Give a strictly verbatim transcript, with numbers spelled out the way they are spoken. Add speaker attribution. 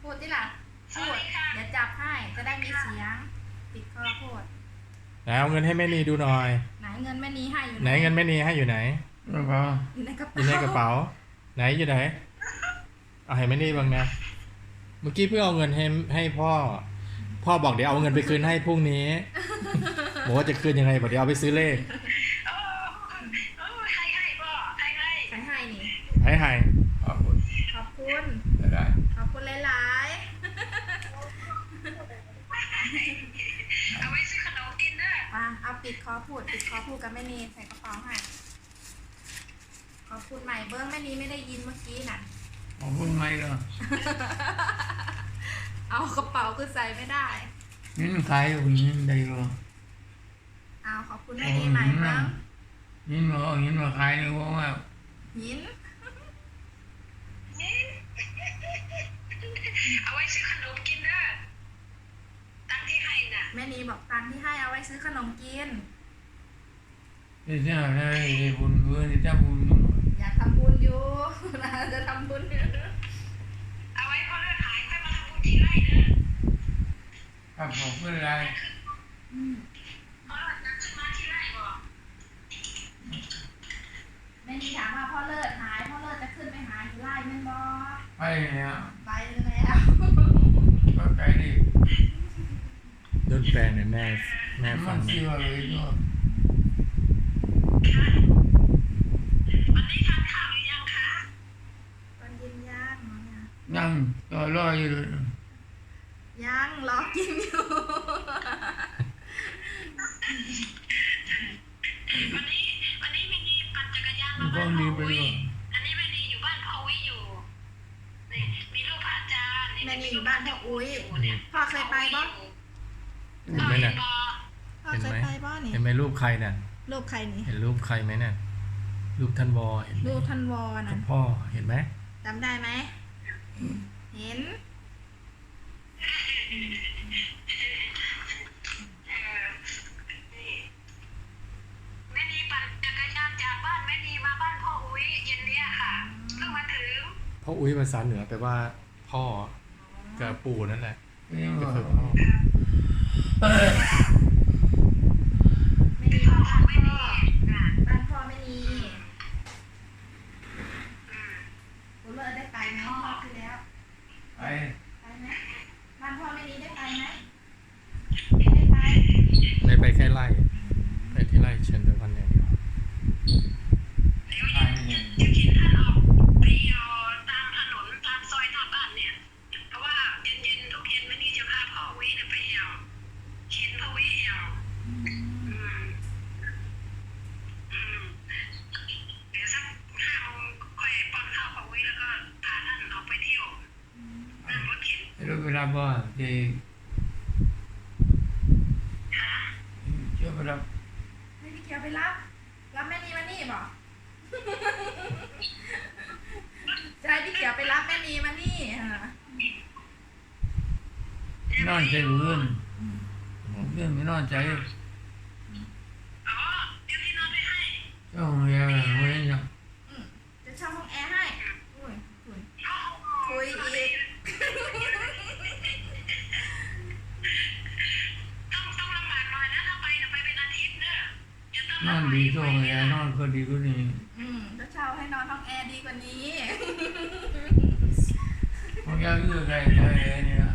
Speaker 1: พูดที่ล่ะพูดอย่าจับให้จะได้มีเสียงปิดคอพูด
Speaker 2: ไหนเอาเงินให้แม่นีดูหน่อย
Speaker 1: ไหนเงินแม่นีให้อยู่
Speaker 2: ไหนเงินแม่นีให้อยู่ไหน
Speaker 1: อยู่ในกระเป๋า
Speaker 2: อยู่ในกระเป๋าไหนอยู่ไหนเอาให้แม่นีบ้างนะเมื่อกี้เพิ่งเอาเงินให้ให้พ่อพ่อบอกเดี๋ยวเอาเงินไปคืนให้พรุ่งนี้บอกว่าจะคืนยังไงบอกเดี๋ยวเอาไปซื้อเลข
Speaker 1: ให้ให้พ่อให้ให้ให้ให้นี่
Speaker 2: ให้ให้
Speaker 1: ขอบคุณขอบคุณขอบคุณหลายๆเอาไว้ซื้อขนมกินนะมาเอาปิดคอพูดปิดคอพูดกับแม่นีใส่กระเป๋าให้ขอบคุณใหม่เบิ้งแม่นีไม่ได้ยินเมื่อกี้น่ะ
Speaker 3: ขอบคุณใหม่ก็
Speaker 1: เอากระเป๋าคือใส่ไม่ได้
Speaker 3: นี่ใครอยู่นี่ได้ก็
Speaker 1: เอาขอบคุณแม่นีใหม่เบิ้ง
Speaker 3: ยินมายินมาใครนี่ว่าว่า
Speaker 1: ยิน
Speaker 4: เอาไว้ซื้อขนมกินเด้อตังที่ให้น่ะ
Speaker 1: แม่นีบอกตังที่ให้เอาไว้ซื้อขนมกิน
Speaker 3: ที่จะได้บุญเพื่อนที่จะบุญ
Speaker 1: อยากทำบุญอยู่นะจะทำบุญ
Speaker 4: เอาไว้พอเลือดหายค่อยมาทำบุญทีไรเด้อ
Speaker 3: ครับผมไม่เป็นไร
Speaker 4: พอเลือดจะขึ้นมาทีไรบอก
Speaker 1: แม่นีถามว่าพ่อเลิศหายพ่อเลิศจะขึ้นไปหาอยู่ไร่แม่บอ
Speaker 3: ไปเนี่ย
Speaker 1: ไปแล้ว
Speaker 3: ก็ไปดิ
Speaker 2: โดนแปลเนี่ยแม่แม่ฟัง
Speaker 3: เชื่อเลยด้วย
Speaker 4: วันนี้ทานข้าวหรือยังคะ
Speaker 1: ตอนเย็นย่างเนี่ย
Speaker 3: ยังรอรออยู่
Speaker 1: ยังรอกินอยู่
Speaker 4: วันนี้วันนี้ไม่ดีปั่นจักรยานมาบ้านพ่อวิอันนี้ไม่ดีอยู่บ้านพ่อวิอยู่นี่มีลูกพระอาจารย์
Speaker 1: แม่นีอยู่บ้านพ่ออุ้ยพ่อเคยไปบ้าง
Speaker 2: เห็นไหมเนี่ย
Speaker 1: พ่อเคยไปบ้างนี่
Speaker 2: เห็นไหมรูปใครเนี่ย
Speaker 1: รูปใครนี่
Speaker 2: เห็นรูปใครไหมเนี่ยรูปท่านวอเห็น
Speaker 1: รูปท่านวอนะ
Speaker 2: พ่อเห็นไหม
Speaker 1: จำได้ไหมเห็น
Speaker 4: แม่นีปั่นจักรยานจากบ้านแม่นีมาบ้านพ่ออุ้ยเย็นเนี้ยค่ะเพิ่งมาถึง
Speaker 2: พ่ออุ้ยภาษาเหนือแปลว่าพ่อกับปู่นั่นแหละก็คือพ่อ
Speaker 1: ไม่มีบ้านพ่อบ้านพ่อไม่มีผมเลิกได้ไปไหมพ่อคือแล้ว
Speaker 3: ไป
Speaker 1: ไปไหมบ้านพ่อไม่มีได้ไปไหมไม่ไป
Speaker 2: ไม่ไปแค่ไล่ไปที่ไล่เชนเดอร์วันอย่างเดียว
Speaker 4: จะคิดท่านออกไปเอาตามถนนตามซอยหน้าบ้านเนี่ยเพราะว่าเย็นๆทุกเย็นแม่นีจะพาพ่อวิเนี่ยไปเอาเข็นพ่อวิเอาเดี๋ยวสักห้าโมงค่อยป้อนข้าวพ่อวิแล้วก็พาท่านออกไปเที่ยวนั่งรถเข็น
Speaker 3: รถเวลาบ่ที่เชื่อไปรับ
Speaker 1: ให้พี่เกียวไปรับรับแม่นีมานี่บอกจะให้พี่เกียวไปรับแม่นีมานี่
Speaker 3: นอนใจเพื่อนเพื่อนไม่นอนใจ
Speaker 4: อ๋อเดี๋ยวพี่นอนไปให้
Speaker 3: ช่องแอร์ไม่ได้ยัง
Speaker 1: จะเช่าห้องแอร์ให้คุยคุยอีก
Speaker 4: ต้องต้องลำบากหน่อยนะถ้าไปจะไปเป็นอาทิตย์เนอะ
Speaker 3: นอนดีช่องแอร์นอนก็ดีกว่านี้
Speaker 1: อืมจะเช่าให้นอนห้องแอร์ดีกว่านี้
Speaker 3: ห้องแอร์เลือกอะไรเนี่ย